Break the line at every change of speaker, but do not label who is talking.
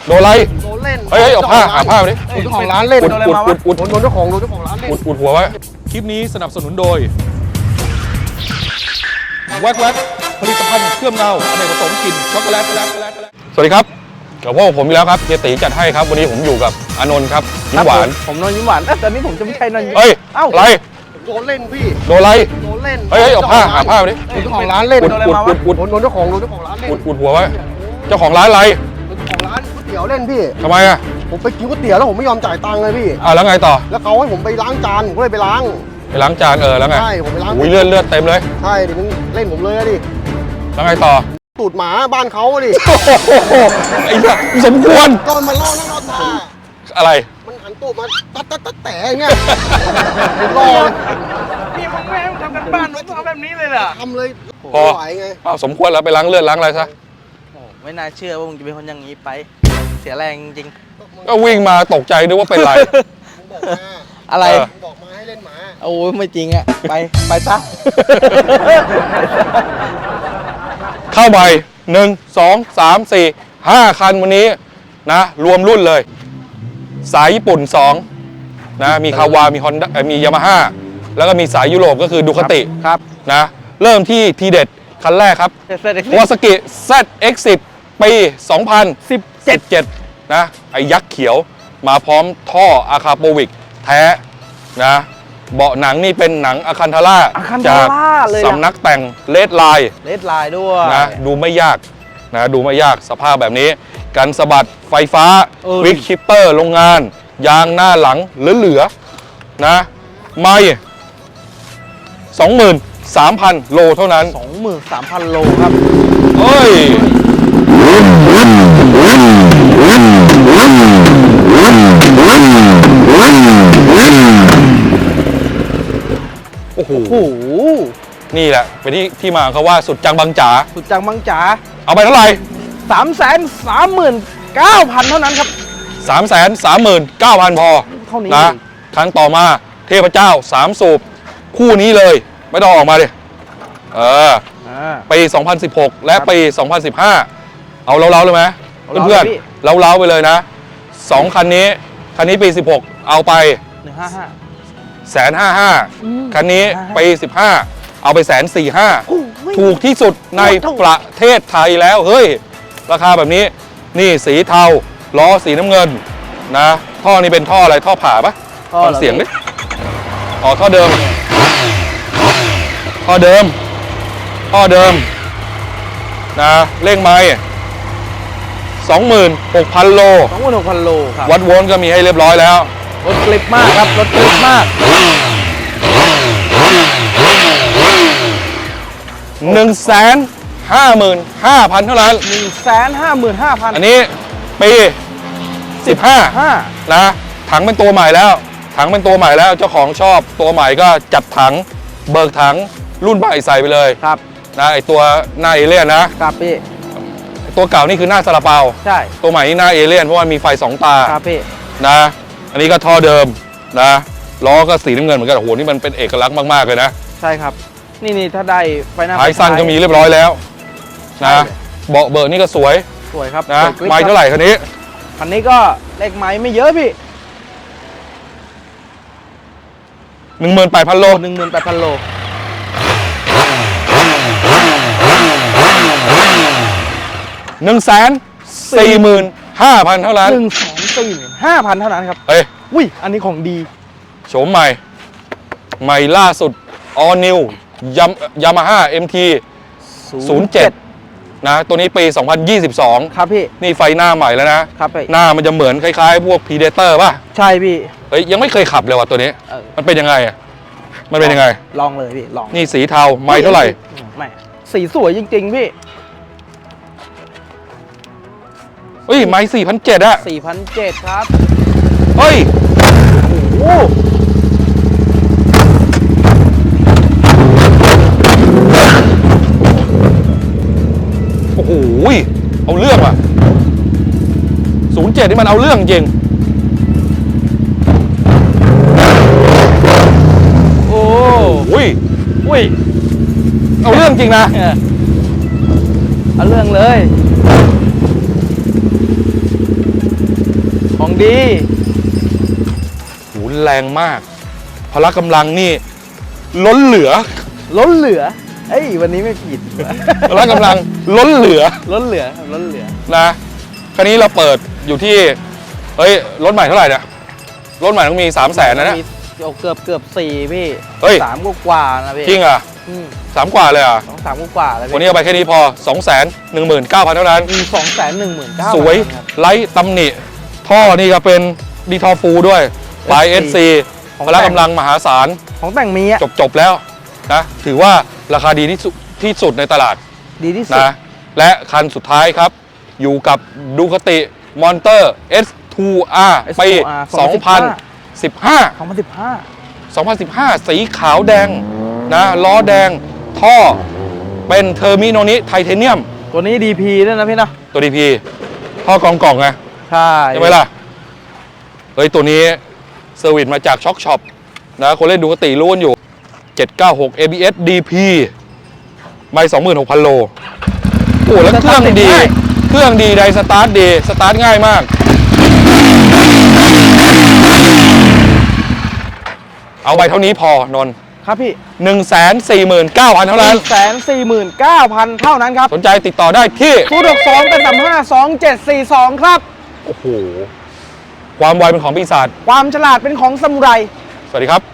โดนอะไร
โดนเล่น
เฮ้ยเอาผ้าหาผ้าไปดิ
เจ้าของร้านเล่น
อุด
โดนเจ้าของร้านเล่น
อุดหัวไว้คลิปนี้สนับสนุนโดยแว็กผลิตภัณฑ์เครื่องเงาอเนกประสงค์กลิ่นช็อกโกแลตสวัสดีครับกับพวกผมอีกแล้วครับเฮียตีจัดให้ครับวันนี้ผมอยู่กับอานนท์ครับยิ้มหวาน
ผมนนท์ยิ้มหวานตอนนี้ผมจะไม่ใช่นนท์
เฮ้ยอะไร
โดนเล่นพี่
โดนอะไร
โดนเล่น
เฮ้ยเอาผ้าหาผ้าไปดิ
เจ้าของร้านเล่น
โดน
เจ้าของร้านเล่น
อุดหัวไว้เจ้าของร้านอะไร
เจ้าของร้านก๋วยเตี๋ยวเล่นพี่
ทำไมอ่ะ
ผมไปกินก๋วยเตี๋ยวแล้วผมไม่ยอมจ่ายตังค์เลยพี่
แล้วไงต่อ
แล้วเขาให้ผมไปล้างจานผมก็เลยไปล้าง
จานแล้วไง
ใช่ผมไปล้าง
อุ้ยเลือดเต็มเลย
ใช่ดิมึงเล่นผมเลยดิ
แล้วไงต่อ
ตูดหมาบ้านเขาดิ
ไอ้เนี่ยสมควร
ก็มันล่อนั่งรอตา
อะไร
มันหันตูดมาตัดแต่อย่างเงี้ยรอ
นี่มึงไม่ให้ทำกันบ้านมึงทำแบบนี้เลยเหรอ
ทำเลย
พอไหวไงสมควรแล้วไปล้างเลือดล้างอะไรซะ
ไม่น่าเชื่อว่ามึงจะเป็นคนอย่างนี้ไปเสียแรงจริง
ก็วิ่งมาตกใจนึกว่าเป็นไร
อะไร
บอกมาให้เล่นหมา
โอ้ยไม่จริงอ่ะไปซะ
เข้าไป1 2 3 4 5 คันวันนี้นะรวมรุ่นเลยสายญี่ปุ่น2นะมีคาวามีฮอนด้ามียามาฮ่าแล้วก็มีสายยุโรปก็คือดูคาติ
ครับ
นะเริ่มที่ทีเด็ดคันแรกครับวาซากิ ZX10 ปี 2017นะไอ้ยักษ์เขียวมาพร้อมท่ออาคาโปวิกแท้นะเบาะหนังนี่เป็นหนังอาคันทาร่าจากสำนักแต่งเลดไลน์
ด้วย
นะดูไม่ยากสภาพแบบนี้กันสะบัดไฟฟ้าควิกชิปเปอร์โรงงานยางหน้าหลังเหลือๆนะไม่ 23,000 โลเท่านั้น
23,000 โลครับ
เฮ้ยโอ้โหนี่แหละเป็นที่มาเขาว่าสุดจังบังจ๋าเอาไปเท่าไหร่
339,000 เท่านั้นครับ
339,000 พอ
เท่านี้
นะครั้งต่อมาเทพเจ้า3สูบคู่นี้เลยไม่ต้องออกมาดิปี2016และปี2015เอาเล้าๆเลยไหมเพื่อนๆเล้าๆไปเลยนะ2คันนี้ปี16เอาไป155,000คันนี้ปี15เอาไป145,000ถูกที่สุดในประเทศไทยแล้วเฮ้ยราคาแบบนี้นี่สีเทาล้อสีน้ำเงินนะท่อนี้เป็นท่ออะไรท่อผ่าปะฟังเสียงดิท่อเดิมนะเร่งไม้26,000 โล
ครับ
วัดโวลต์ก็มีให้เรียบร้อยแล้ว
รถกลิบมากครับรถกลิบมาก
155,000 เท่านั้น
155,000
อันนี้ปี15นะถังเป็นตัวใหม่แล้วเจ้าของชอบตัวใหม่ก็จัดถังเบิกถังรุ่นใหม่ใส่ไปเลย
ครับ
นะไอตัวหน้าเอเลี่ยนนะครับ
พี่
ตัวเก่านี่คือหน้าซาลาเปา
ใช่
ตัวใหม่นี่หน้าเอเลี่ยนเพราะว่ามีไฟ2 ตา
ครับพี่
นะอันนี้ก็ท่อเดิมนะล้อก็สีน้ำเงินเหมือนกันโอ้โหนี่มันเป็นเอกลักษณ์มากๆเลยนะ
ใช่ครับนี่ถ้าได้ไฟหน้า
ท้ายสั้นก็มีเรียบร้อยแล้วนะเบาะเบิร์นี่ก็สวย
ครับ
นะไม้เท่าไหร่คันนี้
ก็เลขไม้ไม่เยอะพี่
18,000 โล
18,000 โล
145,000 เท่านั้น
145,000 เท่านั้นครับ
เฮ้ย
อุ้ยอันนี้ของดี
โฉมใหม่ล่าสุด All New Yamaha MT 07นะตัวนี้ปี2022
ครับพี่
นี่ไฟหน้าใหม่แล้วนะครับ
พี่
หน้ามันจะเหมือนคล้ายๆพวก Predator ป่ะ
ใช่พี่
เฮ้ยยังไม่เคยขับเลยว่ะตัวนี้มันเป็นยังไงมันเป็นยังไง
ลองเลยพี่ลอง
นี่สีเทาไม้เท่าไหร่
ไม่สีสวยจริงๆพี่
เฮ้ยไม้4,700อะ
4,700ครับ
เฮ้ยโอ้โหเอาเรื่องว่ะ07นี่มันเอาเรื่องจริง
โอ้
ยเอาเรื่องจริงนะ
เอาเรื่องเลยดี
หูแรงมากพละกำลังนี่ล้นเหลือ
ล้นเหลือเอ้ยวันนี้ไม่ผิด
พละกำลังล้นเหลือ
ล้นเหลือครับล้นเหลือ
นะคันนี้เราเปิดอยู่ที่เฮ้ยรถใหม่เท่าไหร่เนี่ยรถใหม่ต้องมี 300,000นะเนี่ย
มีเกือบ4พี่
เฮ้ย
3กว่าๆนะพี่
จริงอ่ะ
อืม
3 กว่าเลยอ่ะ
3กว่าๆแล้ว
วัน
พี่
นี้เอาไปแค่นี้พอ 219,000 เท่านั้น
มี219,000
สวย
ครับ
ไร้ตำหนิท่อนี่ก็เป็นดีทอฟูด้วยปลาย SC พละกำลังมหาศาล
ของแต่งมีอะ
จบแล้วนะถือว่าราคาดีที่สุดในตลาด
ดีที่สุด
นะและคันสุดท้ายครับ อยู่กับดูคติมอนเตอร์ S2R ปี 2015
2015
สีขาวแดงนะล้อแดงท่อเป็นเทอร์มิโนนิไทเทเนียม
ตัวนี้ DP ด้วยนะพี่เนาะ
ตัว DP ท่อกองกล่องไง
ใช่
ใช่ไหมล่ะ เฮ้ย ตัวนี้เซอร์วิสมาจากช็อคช็อปนะคนเล่นดูกติรู้กันอยู่ 796 ABS DP ไม่ 26,000 โลโอ้แล้วเครื่องดี เครื่องดีไดสตาร์ทดี สตาร์ทง่ายมาก เอาไปเท่านี้พอนนท์
ครับพี่
149,000 เท่านั้น
149,000 เท่านั้นครับ
สนใจติดต่อได้ที่
062เป็น35 2742 ครับ
โอ้โห ความไวเป็นของปีศาจ
ความฉลาดเป็นของซามูไร
สวัสดีครับ